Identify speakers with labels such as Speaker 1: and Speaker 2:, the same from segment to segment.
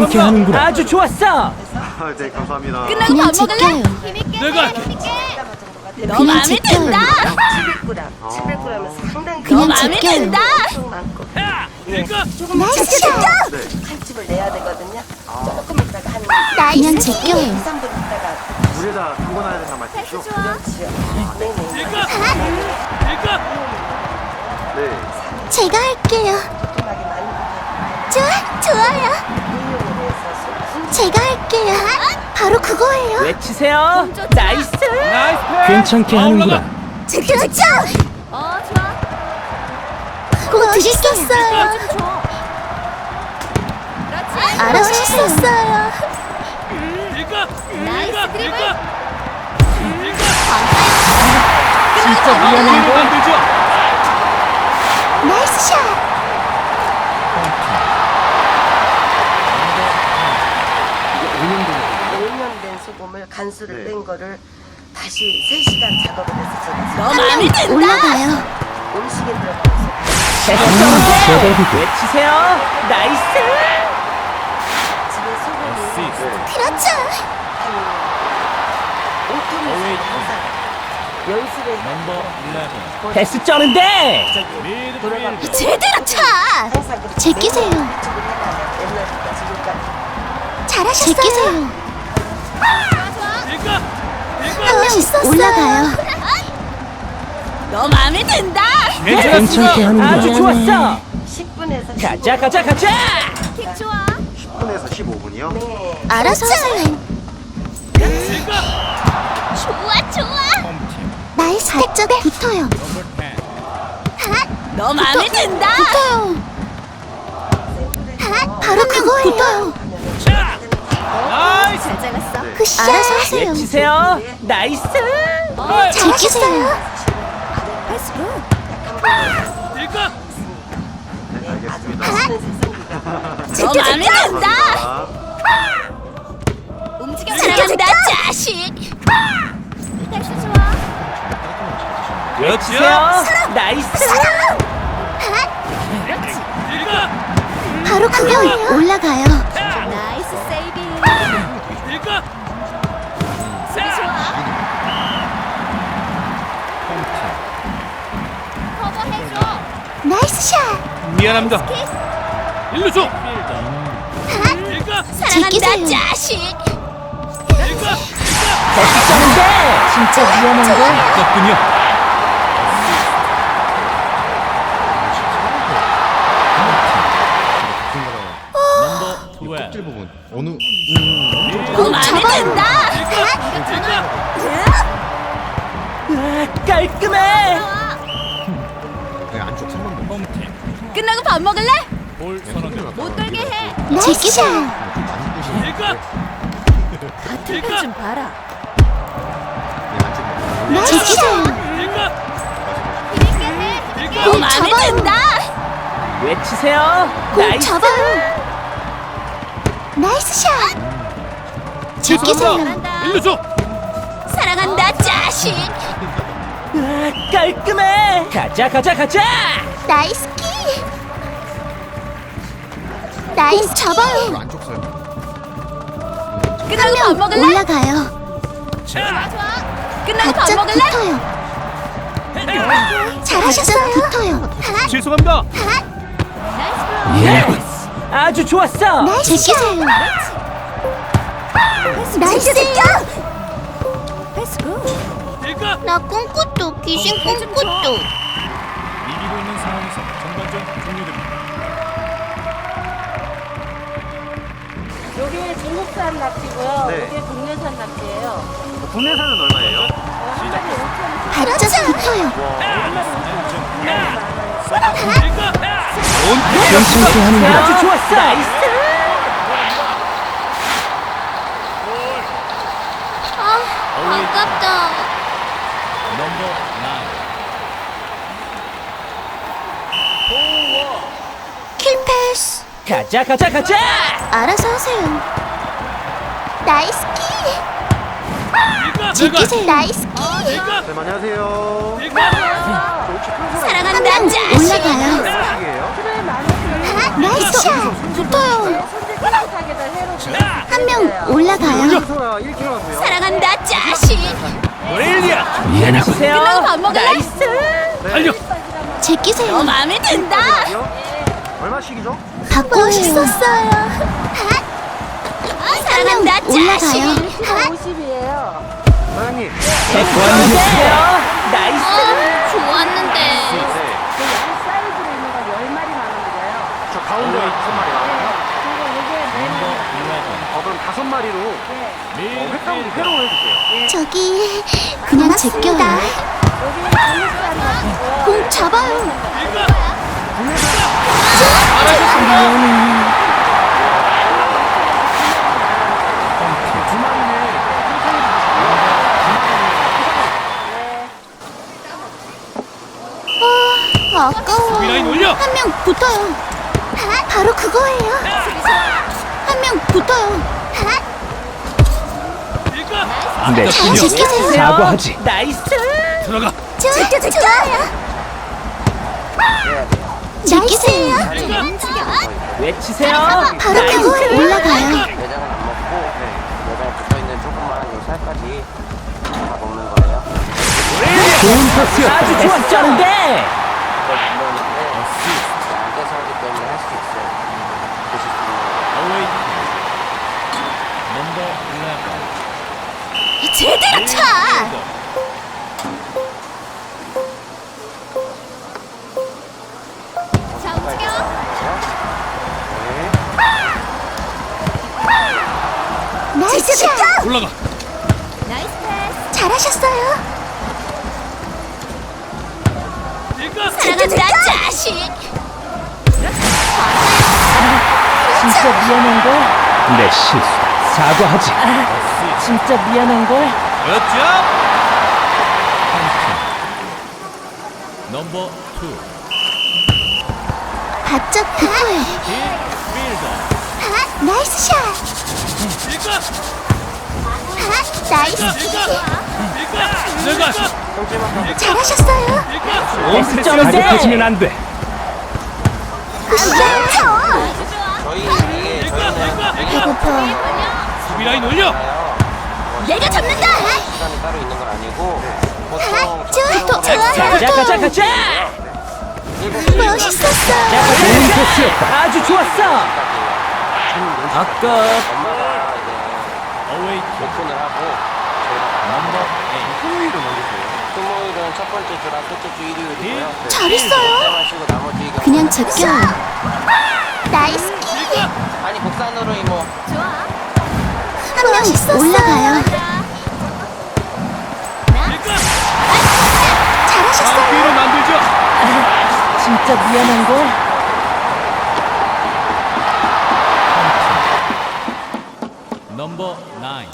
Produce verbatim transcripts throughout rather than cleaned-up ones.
Speaker 1: 괜찮게 하는구나. 아주 좋았어.
Speaker 2: 아, 네, 감사합니다.
Speaker 3: 끝나고
Speaker 4: 그냥
Speaker 3: 밥 먹을래?
Speaker 4: 제껴요.
Speaker 1: 내가
Speaker 3: 너
Speaker 4: 그냥
Speaker 3: 마음에
Speaker 4: 제껴요.
Speaker 3: 든다.
Speaker 5: 칠백 그램, 칠백 그램은 상당히
Speaker 3: 너
Speaker 4: 그냥
Speaker 3: 마음에
Speaker 4: 제껴요.
Speaker 3: 든다.
Speaker 5: 엄청 많고
Speaker 1: 이거
Speaker 5: 조금만
Speaker 4: 나이스 샷!
Speaker 2: 네.
Speaker 5: 칼집을 내야 되거든요. 조금 있다가 한
Speaker 4: 그냥
Speaker 5: 이,
Speaker 4: 제껴요.
Speaker 5: 삼 분 있다가
Speaker 2: 물에다 담궈놔야 된단 말이죠?
Speaker 5: 그렇지요. 네네.
Speaker 1: 이거 이거
Speaker 2: 네.
Speaker 4: 제가 할게요.
Speaker 5: 조그맣게 많이
Speaker 4: 좋아, 좋아요.
Speaker 5: 응용을 해서 순
Speaker 4: 제가 할게요. 바로 그거예요.
Speaker 1: 외치세요. 나이스. 나이스. 괜찮게 하는구나.
Speaker 4: 그렇죠.
Speaker 3: 어 좋아.
Speaker 4: 꼭 드셨었어요.
Speaker 3: 좀 줘. 그렇지.
Speaker 4: 알아서 했었어요.
Speaker 1: 이거
Speaker 3: 나이스 드리블.
Speaker 1: 이거 진짜 미안한 거 안 되죠?
Speaker 4: 나이스 샷.
Speaker 5: 오 년 된 소금을 간수를
Speaker 2: 네.
Speaker 5: 뺀 거를 다시 세 시간 작업을 해서 제가
Speaker 3: 너 마음에 든다.
Speaker 4: 올라가요.
Speaker 5: 음식에 들어가서
Speaker 1: 됐어. 외치세요. 나이스.
Speaker 5: 집에 소금이
Speaker 4: 그렇죠.
Speaker 5: 오 톤이 항상 연습에
Speaker 1: 패스 쩌는데.
Speaker 5: 저기 돌아가면서
Speaker 4: 제대로 차.
Speaker 5: 항상 그렇게
Speaker 4: 제끼세요.
Speaker 5: 매일 이쪽을 해놔요. 옛날부터 지금까지.
Speaker 4: 잘하셨어요. 제끼세요.
Speaker 1: 이거 이거
Speaker 4: 한 명 있었어요. 올라가요.
Speaker 3: 너 마음에 든다.
Speaker 1: 괜찮게 하는구나. 아주 좋았어.
Speaker 5: 십 분에서
Speaker 1: 가자 가자 가자.
Speaker 3: 킥 좋아.
Speaker 2: 십 분에서 십오 분이요?
Speaker 5: 네.
Speaker 4: 알아서 하세요.
Speaker 1: 이거
Speaker 3: 좋아 좋아.
Speaker 4: 나이스 발적에 붙어요.
Speaker 3: 너 마음에 든다.
Speaker 4: 붙어요. 바로 그거예요. 붙어요.
Speaker 1: 자. 나이스.
Speaker 3: 잘 잘랐어.
Speaker 4: 굿샷. 알아서 하세요.
Speaker 1: 외치세요. 나이스.
Speaker 4: 제끼세요.
Speaker 3: 패스 굿.
Speaker 1: 이거
Speaker 2: 네, 알겠습니다.
Speaker 3: 너 마음에 든다.
Speaker 2: 아,
Speaker 3: 움직여 사랑한다 자식. 패스 좋아.
Speaker 1: 외치세요. 나이스. 이거
Speaker 4: 바로 그거예요. 올라가요.
Speaker 3: 나이스 세이빙.
Speaker 1: 이거
Speaker 3: 수비 좋아. 커버해줘.
Speaker 4: 나이스 샷.
Speaker 1: 미안합니다. 일로 줘. 이거
Speaker 3: 사랑한다
Speaker 4: 제끼세요.
Speaker 3: 자식.
Speaker 1: 이거 패스 쩌는데. 진짜 위험한 거 있었군요.
Speaker 6: 껍질 부분 어느
Speaker 3: 너 마음에 든다.
Speaker 1: 아, 깔끔해.
Speaker 6: 네, 안쪽 삼번 번
Speaker 3: 끝나고 밥 먹을래? 못 돌게 해.
Speaker 4: 나이스 샷.
Speaker 6: 많이 끄시네.
Speaker 1: 이거
Speaker 3: 같은 편좀 봐라.
Speaker 4: 나이스 샷.
Speaker 1: 이거
Speaker 3: 재밌게 해.
Speaker 1: 이거
Speaker 3: 너 마음에
Speaker 4: 잡아요.
Speaker 3: 든다.
Speaker 1: 외치세요.
Speaker 4: 꼭
Speaker 1: 나이스.
Speaker 4: 잡아요. 나이스 샷. 제끼세요.
Speaker 1: 일로 줘.
Speaker 3: 사랑한다 자식.
Speaker 1: 아, 깔끔해. 가자 가자 가자.
Speaker 4: 나이스 키. 나이스 잡아요.
Speaker 6: 안쪽 살.
Speaker 3: 끝나고 밥 먹을래?
Speaker 4: 올라가요.
Speaker 1: 자.
Speaker 3: 끝나고 밥
Speaker 4: 바짝
Speaker 3: 먹을래?
Speaker 4: 붙어요. 잘하셨어요. 붙어요.
Speaker 1: 죄송합니다.
Speaker 3: 나이스
Speaker 1: 예스. 아주 좋았어.
Speaker 4: 나이스 제끼세요. 나이스
Speaker 3: 패스 굿.
Speaker 1: 이거
Speaker 4: 나 꿈꾸도 귀신 꿈꾸도.
Speaker 7: 이기고 있는 상황에서 전반전 종료됩니다.
Speaker 8: 여기 중국산 낙지고요.
Speaker 2: 네.
Speaker 8: 이게 국내산 낙지예요.
Speaker 2: 국내산은 얼마예요?
Speaker 4: 바짝 붙어요.
Speaker 1: 괜찮게 하는구나. 아주 좋았어. 나이스.
Speaker 4: 아, 아깝다.
Speaker 7: 넘버 나인.
Speaker 4: 킬패스.
Speaker 1: 가자 가자 가자.
Speaker 4: 알아서 하세요. 나이스 키.
Speaker 1: 이거
Speaker 4: 제끼세요. 나이스 키.
Speaker 1: 이거
Speaker 2: 네, 안녕하세요.
Speaker 1: 이거
Speaker 3: 사랑한다 자식.
Speaker 4: 올라가요.
Speaker 2: 어떻게예요?
Speaker 8: 키로에 만 원.
Speaker 4: 나이스 샷. 붙어요.
Speaker 8: 손질 깨끗하게들 해요.
Speaker 4: 한 명 올라가요.
Speaker 2: 소라 일 킬로그램이고요.
Speaker 4: 사랑한다, 자식.
Speaker 7: 브릴리언.
Speaker 1: 미안하고.
Speaker 3: 끝나고 밥 먹을래?
Speaker 7: 달려.
Speaker 4: 제끼세요.
Speaker 3: 마음에 든다.
Speaker 2: 얼마씩이죠?
Speaker 4: 받고 멋있었어요. 사랑한다, 자식.
Speaker 8: 오십이에요.
Speaker 2: 사장님.
Speaker 1: 고맙습니다. 나이스.
Speaker 4: 좋았는데.
Speaker 2: 네.
Speaker 8: 그 양 사이즈로 있는 건 열 마리 나오는 거예요.
Speaker 2: 저 가운데 다섯 마리 나와요.
Speaker 8: 그리고 이게 네
Speaker 7: 넘버
Speaker 8: 마리.
Speaker 7: 일레븐.
Speaker 2: 어, 그럼 다섯 마리로 어, 횟감 회로 해주세요.
Speaker 4: 저기 그냥 제껴요.
Speaker 8: 여기는 국내산 납치고요.
Speaker 4: 공 잡아요.
Speaker 2: 두 마리는
Speaker 4: 아, 아까워.
Speaker 7: 미라인 올려.
Speaker 4: 한 명 붙어요. 바로 그거예요. 한 명 붙어요.
Speaker 1: 내
Speaker 4: 잘
Speaker 1: 실력.
Speaker 4: 지키세요.
Speaker 1: 사과하지. 나이스.
Speaker 7: 들어가.
Speaker 4: 제껴 제껴요. 지키세요.
Speaker 1: 외치세요.
Speaker 4: 바로 그거예요. 올라가요.
Speaker 5: 내장은 안 먹고 내장에 붙어있는 조그만 요 살까지 다 먹는 거예요.
Speaker 1: 좋은 패스였다. 아주 좋았었는데.
Speaker 5: 이걸 불러오는데 앉아서 하기 때문에 할 수 있어요. 보실 수 있는
Speaker 7: 어웨이. 넘버 일레븐.
Speaker 4: 제대로 차. 자 움직여. 나이스 샷.
Speaker 7: 올라가.
Speaker 4: 나이스 패스. 잘하셨어요. 사랑한다, 자식.
Speaker 1: 진짜 미안한 걸. 내 실수다. 사과하지. 진짜 미안한 걸.
Speaker 7: 굿잡. 넘버 투.
Speaker 4: 바짝 붙어요.
Speaker 7: 딜필더.
Speaker 4: 나이스 샷. 나이스.
Speaker 7: 내가.
Speaker 4: 잘하셨어요.
Speaker 1: 패스 가격해지면 안 돼.
Speaker 4: 굿샷.
Speaker 5: 저희 이게 저희는
Speaker 4: 배고파.
Speaker 7: 수비라인 올려.
Speaker 4: 내가 잡는다.
Speaker 5: 시간이 따로 있는 건 아니고 보통
Speaker 4: 좋아,
Speaker 1: 가자
Speaker 4: 좋아요.
Speaker 1: 가자 가자.
Speaker 4: 멋있었어.
Speaker 1: 좋은 패스였다. 아주 좋았어. 아까
Speaker 5: 엄마가 이제
Speaker 7: 어웨이.
Speaker 5: 오픈을 하고 저희가
Speaker 7: 넘버 에잇.
Speaker 2: 토요일은 언제세요?
Speaker 5: 토요일은 첫 번째 주랑 첫째 주 일요일이고요.
Speaker 4: 잘했어요.
Speaker 5: 그때 마시고 나머지 경우
Speaker 4: 그냥 제껴요. 나이스 키.
Speaker 5: 아니 국산으로 이모
Speaker 4: 한 명 올라가요. 잘하셨어요.
Speaker 7: 뒤로 만들죠.
Speaker 1: 진짜 미안한 걸.
Speaker 7: 넘버 나인.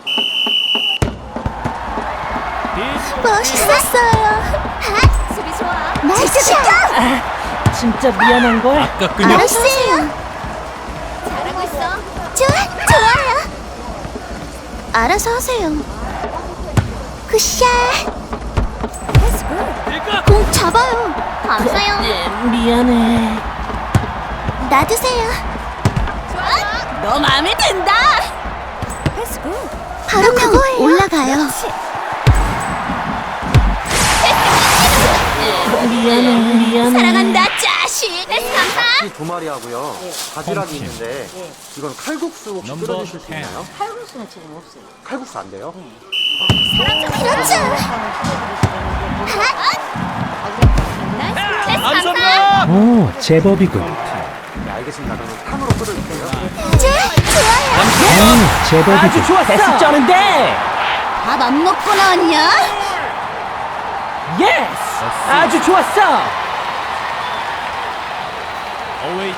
Speaker 4: 멋있었어요. 수비 좋아. 나이스 샷.
Speaker 1: 진짜 미안한 걸.
Speaker 7: 아깝군요.
Speaker 4: 알았어요. 잘하고 있어. 좋아, 좋아요. 알아서 하세요. 굿샷. 공 잡아요. 감사요.
Speaker 1: 미안해.
Speaker 4: 놔두세요.
Speaker 3: 너 마음에 든다.
Speaker 4: 바로 그거예요. 올라가요.
Speaker 1: 미안해. 미안해.
Speaker 4: 사랑한다, 자식. 감사.
Speaker 2: 이 두 마리 하고요. 바지락이 있는데 이건 칼국수 혹시
Speaker 7: 넘버
Speaker 2: 끓여주실 수
Speaker 7: 텐.
Speaker 2: 있나요?
Speaker 8: 칼국수는 지금 없어요.
Speaker 2: 칼국수 안 돼요?
Speaker 4: 그렇죠.
Speaker 7: 감사합니다.
Speaker 1: 오, 제법이군.
Speaker 2: 네, 알겠습니다. 그러면 탕으로 끓여주세요.
Speaker 4: 좋아요.
Speaker 1: 오, 제법이군. 아주 좋았어. 패스 쩌는데.
Speaker 4: 밥 안 먹고 나왔냐?
Speaker 1: 예스. 아주 좋았어.
Speaker 7: 어웨이.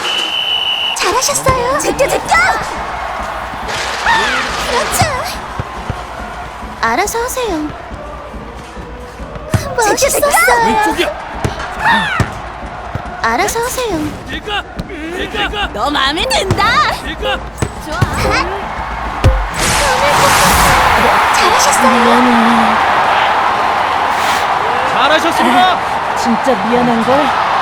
Speaker 4: 잘하셨어요. 제껴, 제껴. 그렇죠. 알아서 하세요. 멋있었어요.
Speaker 7: 왼쪽이야.
Speaker 4: 알아서 하세요.
Speaker 7: 일가. 일가.
Speaker 3: 너 마음에 든다.
Speaker 7: 일가.
Speaker 4: 잘하셨어요.
Speaker 7: 잘하셨습니다.
Speaker 1: 진짜 미안한 걸.